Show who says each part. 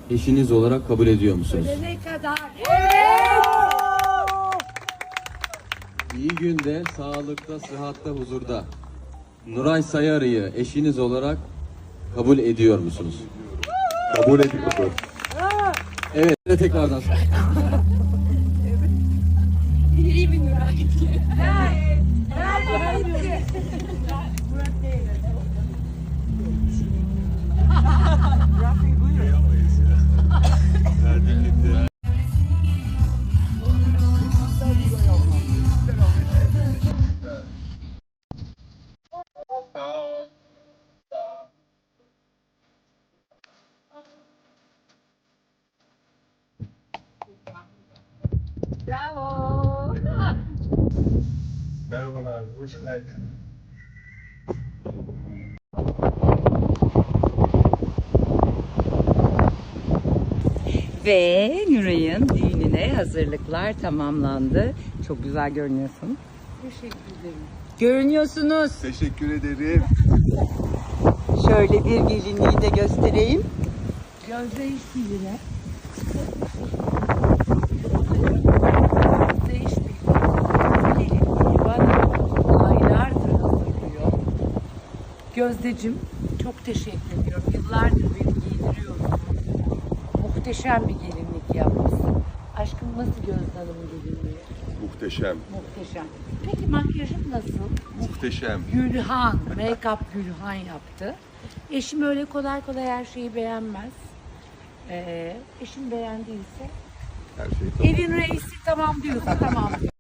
Speaker 1: eşiniz olarak kabul ediyor musunuz?
Speaker 2: Ne kadar? Evet!
Speaker 1: İyi günde, sağlıkta, sıhhatta, huzurda Nuray Sayarı'yı eşiniz olarak kabul ediyor musunuz?
Speaker 3: Kabul ediyorum.
Speaker 1: Evet, tekrardan.
Speaker 2: Bravo.
Speaker 3: Merhabalar, hoş geldin.
Speaker 4: Ve Nuray'ın düğününe hazırlıklar tamamlandı. Çok güzel görünüyorsun.
Speaker 2: Teşekkür ederim.
Speaker 4: Görünüyorsunuz.
Speaker 3: Teşekkür ederim.
Speaker 4: Şöyle bir gelinliği de göstereyim.
Speaker 2: Gözde işbirliğine. Gözde işbirliği bana aylardır hazırlıyor. Gözdeciğim çok teşekkür ediyorum. Yıllardır beni giydiriyorsun. Muhteşem bir gelinlik yapmışsın. Aşkım nasıl Gözde Hanım'ın gelinliği?
Speaker 3: Muhteşem,
Speaker 2: Muhteşem. Peki makyajın nasıl?
Speaker 3: muhteşem.
Speaker 2: Gülhan, make-up Gülhan yaptı. Eşim öyle kolay kolay her şeyi beğenmez. Eşim beğendiyse
Speaker 3: Her şey tamam.
Speaker 2: evin reisi tamam diyorsa tamam diyor.